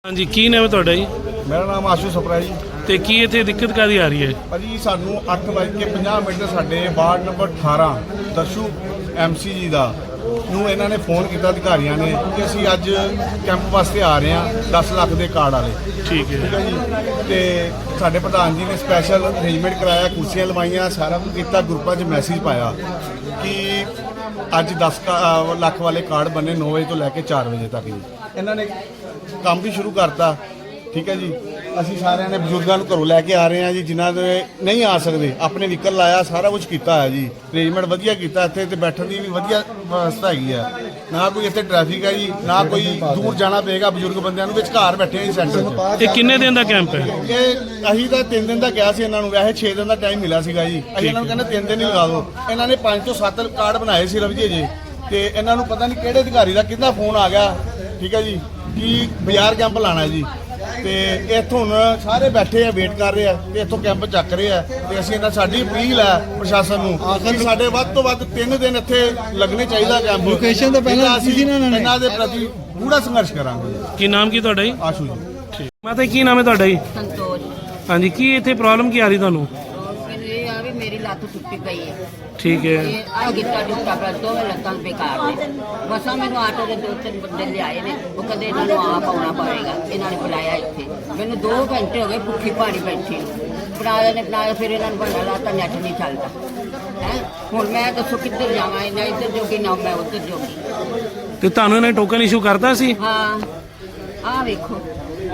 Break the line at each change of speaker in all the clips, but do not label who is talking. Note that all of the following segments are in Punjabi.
हाँ जी की नाम है ਤੁਹਾਡਾ ਜੀ?
मेरा नाम आशू सपरा जी।
ਤੇ ਕੀ ਇੱਥੇ ਦਿੱਕਤ ਕਾਦੀ ਆ ਰਹੀ ਹੈ?
ਭਾਜੀ ਸਾਨੂੰ 8:50 ਸਾਡੇ ਵਾਰਡ ਨੰਬਰ 18 ਦਰਸ਼ੂ ਐਮਸੀ ਜੀ ਦਾ ਨੂੰ ਇਹਨਾਂ ਨੇ ਫੋਨ ਕੀਤਾ ਅਧਿਕਾਰੀਆਂ ਨੇ ਕਿ ਅਸੀਂ ਅੱਜ ਕੈਂਪ ਵਾਸਤੇ ਆ ਰਹੇ ਹਾਂ 10 ਲੱਖ ਦੇ ਕਾਰਡ ਵਾਲੇ।
ਠੀਕ ਹੈ
ਜੀ। ਤੇ ਸਾਡੇ ਪ੍ਰਧਾਨ ਜੀ ਨੇ ਸਪੈਸ਼ਲ ਅਰੇਂਜਮੈਂਟ ਕਰਾਇਆ, ਕੁਰਸੀਆਂ ਲਵਾਈਆਂ, ਸਾਰਾ ਕੁਝ ਕੀਤਾ, ਗਰੁੱਪਾਂ 'ਚ ਮੈਸੇਜ ਪਾਇਆ ਕਿ ਅੱਜ 10 ਲੱਖ ਵਾਲੇ ਕਾਰਡ ਬਣੇ 9 ਵਜੇ ਤੋਂ ਲੈ ਕੇ 4 ਵਜੇ ਤੱਕ ਜੀ। ਇਹਨਾਂ ਨੇ ਕੰਮ ਵੀ ਸ਼ੁਰੂ ਕਰਤਾ। ਠੀਕ ਹੈ ਜੀ। ਅਸੀਂ ਸਾਰਿਆਂ ਨੇ ਬਜ਼ੁਰਗਾਂ ਨੂੰ ਘਰੋਂ ਲੈ ਕੇ ਆ ਰਹੇ ਹਾਂ ਜੀ, ਜਿਨ੍ਹਾਂ ਦੇ ਨਹੀਂ ਆ ਸਕਦੇ, ਆਪਣੇ ਵਹੀਕਲ ਲਾਇਆ, ਸਾਰਾ ਕੁਝ ਕੀਤਾ ਹੈ ਜੀ। ਅਰੇਂਜਮੈਂਟ ਵਧੀਆ ਕੀਤਾ, ਇੱਥੇ ਤੇ ਬੈਠਣ ਦੀ ਵੀ ਵਧੀਆ ਵਿਵਸਥਾ ਹੈਗੀ ਹੈ। ਨਾ ਕੋਈ ਇੱਥੇ ਟ੍ਰੈਫਿਕ ਹੈ ਜੀ, ਨਾ ਕੋਈ ਦੂਰ ਜਾਣਾ ਪਏਗਾ ਬਜ਼ੁਰਗ ਬੰਦਿਆਂ ਨੂੰ। ਵਿਚਕਾਰ ਬੈਠੇ ਹਾਂ ਜੀ ਸੈਂਟਰ 'ਚ।
ਇਹ ਕਿੰਨੇ ਦਿਨ ਦਾ ਕੈਂਪ ਹੈ?
ਇਹ ਅਸੀਂ ਤਾਂ 3 ਦਿਨ ਦਾ ਕਿਹਾ ਸੀ ਇਹਨਾਂ ਨੂੰ, ਵੈਸੇ 6 ਦਿਨ ਦਾ ਟਾਈਮ ਮਿਲਿਆ ਸੀਗਾ ਜੀ। ਅਸੀਂ ਇਹਨਾਂ ਨੂੰ ਕਹਿੰਦੇ 3 ਦਿਨ ਹੀ ਲਗਾ ਦਿਓ। ਇਹਨਾਂ ਨੇ 5 ਤੋਂ 7 ਕਾਰਡ ਬਣਾਏ ਸੀ ਰਵਜੇ ਜੀ। ਤੇ ਇਹਨਾਂ ਨੂੰ ਪਤਾ ਨਹੀਂ ਕਿਹੜੇ ਅਧਿਕਾਰੀ ਦਾ ਕਿਹਦਾ ਫੋਨ ਆ ਗਿਆ। ਠੀਕ ਹੈ ਜੀ, ਕਿ ਬਾਜ਼ਾਰ ਕੈਂਪ ਲਾਣਾ ਜੀ। ਤੇ ਇੱਥੋਂ ਹੁਣ ਸਾਰੇ ਬੈਠੇ ਆ, ਵੇਟ ਕਰ ਰਹੇ ਆ ਤੇ ਇੱਥੋਂ ਕੈਂਪ ਚੱਕ ਰਹੇ ਆ। ਤੇ ਅਸੀਂ ਇਹਨਾਂ ਸਾਡੀ ਅਪੀਲ ਹੈ ਪ੍ਰਸ਼ਾਸਨ ਨੂੰ ਕਿ ਸਾਡੇ ਵੱਧ ਤੋਂ ਵੱਧ 3 ਦਿਨ ਇੱਥੇ ਲੱਗਣੇ ਚਾਹੀਦਾ ਕੈਂਪ।
ਲੋਕੇਸ਼ਨ ਤੋਂ ਪਹਿਲਾਂ
ਅਸੀਂ ਇਹਨਾਂ ਦੇ ਪ੍ਰਤੀ ਪੂਰਾ ਸੰਘਰਸ਼ ਕਰਾਂਗੇ।
ਕੀ ਨਾਮ ਕੀ ਤੁਹਾਡਾ ਜੀ?
ਆਸ਼ੂ ਜੀ।
ਠੀਕ ਮਾਤਾ ਕੀ ਨਾਮ ਹੈ ਤੁਹਾਡਾ ਜੀ?
संतोष।
ਹਾਂਜੀ ਕੀ ਇੱਥੇ ਪ੍ਰੋਬਲਮ ਕੀ ਆ ਰਹੀ ਤੁਹਾਨੂੰ?
और ये आ भी मेरी लत्त टुटी गई है।
ठीक है।
ये आ गिट्टा टुटा पर दोवें लत्तां बेकार ने। बसा मैनू आटो के 2-3 बंदे लियाए ने, वो कहते इन्हां नूं आप आउणा पवेगा। इन्हां ने बुलाया इत्थे, मैनू 2 घंटे हो गए भुखी भारी बैठी बनाया ने बनाया। फिर इन्हां नूं बहाना लाता नैट नहीं चलता है। हुण मैं दसो किधर जावां? इन्हां इधर जोगी ना मैं उधर जोगी।
ਤੇ ਤੁਹਾਨੂੰ ਇਹਨੇ ਟੋਕਨ ਇਸ਼ੂ ਕਰਤਾ ਸੀ?
हाँ आ वेखो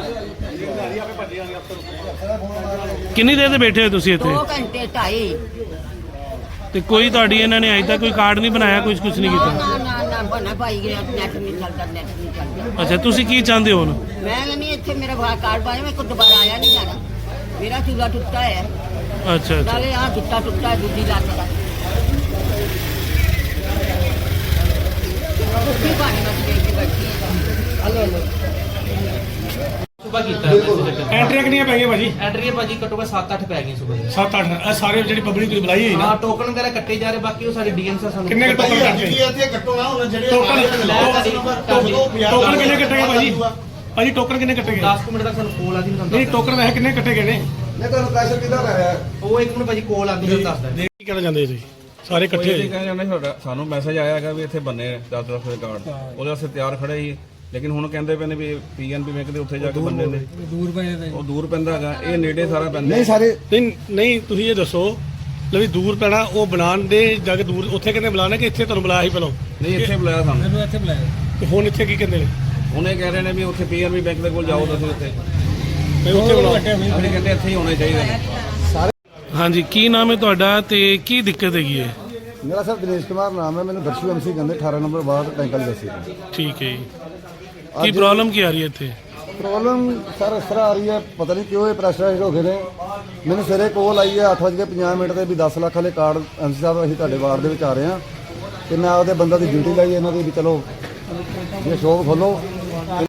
ਕਿੰਨੀ ਦੇਰ ਦੇ ਬੈਠੇ ਹੋ ਤੁਸੀਂ
2
ਇੱਥੇ?
घंटे 2.5।
ਤੇ ਕੋਈ ਤੁਹਾਡੀ ਇਹਨਾਂ ਨੇ ਅਜੇ ਤੱਕ ਕੋਈ ਕਾਰਡ ਨਹੀਂ ਬਣਾਇਆ, ਕੁਝ ਨਹੀਂ
ना
ਕੀਤਾ?
ना ना ना बना पाई गया, नैट नहीं चलता, नैट नहीं चलता।
ਅੱਛਾ ਤੁਸੀਂ ਕੀ ਚਾਹੁੰਦੇ ਹੋ ਹੁਣ?
मैं नहीं इतने मेरा कार्ड पाया, मेरे को दोबारा आया नहीं जाना। मेरा चूल्हा टूटा है,
ਅੱਛਾ ਅੱਛਾ
नाले यहाँ गिट्टा टूटा है, दूसरी लात का कुत्ती पानी में देख के बैठी है।
ਸੁਬਾ ਕੀਤਾ ਹੈ।
ਐਂਟਰੀਆਂ ਕਿੰਨੀਆਂ ਪੈ ਗਈਆਂ ਭਾਜੀ?
ਐਂਟਰੀ ਭਾਜੀ ਘੱਟੋ ਘੱਟ 7-8 ਪੈ ਗਈਆਂ ਸੁਬਾ ਦੀ।
7-8 ਇਹ ਸਾਰੇ ਜਿਹੜੀ ਪਬਲਿਕ ਤੁਸੀਂ ਬੁਲਾਈ ਹੋਈ ਨਾ।
ਹਾਂ ਟੋਕਨ ਵਗੈਰਾ ਕੱਟੇ ਜਾ ਰਹੇ, ਬਾਕੀ ਉਹ ਸਾਡੇ ਡੀਐਨਸੀ ਸਾਨੂੰ
ਕਿੰਨੇ ਕੁ ਟੋਕਨ ਕੱਟੇ?
ਇੱਥੇ ਕੱਟੋ ਨਾ ਹੁਣ ਜਿਹੜੇ
ਟੋਕਨ ਕਿੰਨੇ ਕੱਟੇ ਗਏ ਭਾਜੀ? ਭਾਜੀ ਟੋਕਨ ਕਿੰਨੇ ਕੱਟੇ ਗਏ?
10 ਮਿੰਟ ਤੱਕ ਸਾਨੂੰ ਕੋਲ ਆਦੀ ਨਹੀਂ
ਨਹੀਂ ਟੋਕਨ ਵੈਸੇ ਕਿੰਨੇ ਕੱਟੇ ਗਏ ਨੇ?
ਮੈਂ ਤੁਹਾਨੂੰ ਪ੍ਰੈਸ਼ਰ ਕਿੱਦਾਂ ਕਰ ਰਿਹਾ?
ਉਹ 1 ਮਿੰਟ ਭਾਜੀ ਕੋਲ ਆਦੀ ਨਹੀਂ ਦੱਸਦਾ।
ਕੀ ਕਹਿਣਾ ਚਾਹੁੰਦੇ ਤੁਸੀਂ? ਸਾਰੇ ਇਕੱਠੇ ਹੋਏ?
ਕਹਿੰਦੇ ਜਾਂਦੇ ਸਾਡਾ ਸਾਨੂੰ ਮੈਸੇਜ ਆਇਆ ਹੈਗਾ ਵੀ ਇੱਥੇ ਬੰਨੇ 10 ਲੱਖ ਦੇ ਕਾਰਡ, ਉਹਦੇ ਵਾਸਤੇ ਤਿਆਰ ਖੜੇ ਸੀ। ਲੇਕਿਨ ਹੁਣ ਕਹਿੰਦੇ ਪਏ ਨੇ ਵੀ ਪੀਐਨਬੀ ਬੈਂਕ ਦੇ ਉੱਥੇ ਜਾ ਕੇ ਬੰਨੇ ਨੇ,
ਦੂਰ ਪਏ ਨੇ।
ਉਹ ਦੂਰ ਪੈਂਦਾ ਹੈਗਾ, ਇਹ ਨੇੜੇ ਸਾਰਾ ਪੈਂਦਾ।
ਨਹੀਂ ਸਾਰੇ
ਨਹੀਂ ਤੁਸੀਂ ਇਹ ਦੱਸੋ ਵੀ ਦੂਰ ਪੈਣਾ ਉਹ ਬਣਾਉਣ ਦੇ ਜਾ ਕੇ ਦੂਰ ਉੱਥੇ ਕਹਿੰਦੇ ਬੁਲਾਣਾ ਕਿ ਇੱਥੇ ਤੁਹਾਨੂੰ ਬੁਲਾਇਆ ਸੀ ਪਹਿਲਾਂ?
ਨਹੀਂ ਇੱਥੇ ਬੁਲਾਇਆ ਸਾਨੂੰ।
ਮੈਨੂੰ ਇੱਥੇ ਬੁਲਾਇਆ ਤੇ ਹੁਣ ਇੱਥੇ ਕੀ ਕਹਿੰਦੇ ਨੇ?
ਉਹਨੇ ਕਹਿ ਰਹੇ ਨੇ ਵੀ ਉੱਥੇ ਪੀਐਨਬੀ ਬੈਂਕ ਦੇ ਕੋਲ ਜਾਓ ਤੁਸੀਂ ਉੱਥੇ।
ਵੀ ਉੱਥੇ ਬੁਲਾਓ।
ਅਸੀਂ ਕਹਿੰਦੇ ਇੱਥੇ ਹੀ ਹੋਣੇ ਚਾਹੀਦੇ ਨੇ।
ਹਾਂਜੀ ਕੀ ਨਾਮ ਹੈ ਤੁਹਾਡਾ ਤੇ ਕੀ ਦਿੱਕਤ ਹੈਗੀ ਹੈ?
ਮੇਰਾ ਸਰ ਦਿਨੇਸ਼ ਕੁਮਾਰ ਨਾਮ ਹੈ। ਮੈਨੂੰ ਦਰਸ਼ੂ ਐਮਸੀ ਕਹਿੰਦੇ 18 ਨੰਬਰ ਵਾਰਡ ਟੈਂਕਲ ਦੱਸੀ।
ਠੀਕ ਹੈ ਜੀ। ਕੀ ਪ੍ਰੋਬਲਮ ਕੀ ਆ ਰਹੀ ਹੈ ਇੱਥੇ?
ਪ੍ਰੋਬਲਮ ਸਰ ਇਸ ਤਰ੍ਹਾਂ ਆ ਰਹੀ ਹੈ, ਪਤਾ ਨਹੀਂ ਕਿਉਂ ਇਹ ਪ੍ਰੈਸ਼ਰਾਈਜ਼ ਹੋ ਗਏ ਨੇ। ਮੈਨੂੰ ਸਵੇਰੇ ਕੋਲ ਆਈ ਹੈ 8:50 ਤੇ ਵੀ 10 ਲੱਖ ਵਾਲੇ ਕਾਰਡ ਐਮਸੀ ਸਾਹਿਬ ਅਸੀਂ ਤੁਹਾਡੇ ਵਾਰਡ ਦੇ ਵਿੱਚ ਆ ਰਹੇ ਹਾਂ। ਤੇ ਮੈਂ ਆਪਦੇ ਬੰਦਾ ਦੀ ਡਿਊਟੀ ਲਾਈ ਇਹਨਾਂ ਦੀ ਵੀ ਚਲੋ ਇਹ ਸ਼ੋਪ ਖੋਲੋ।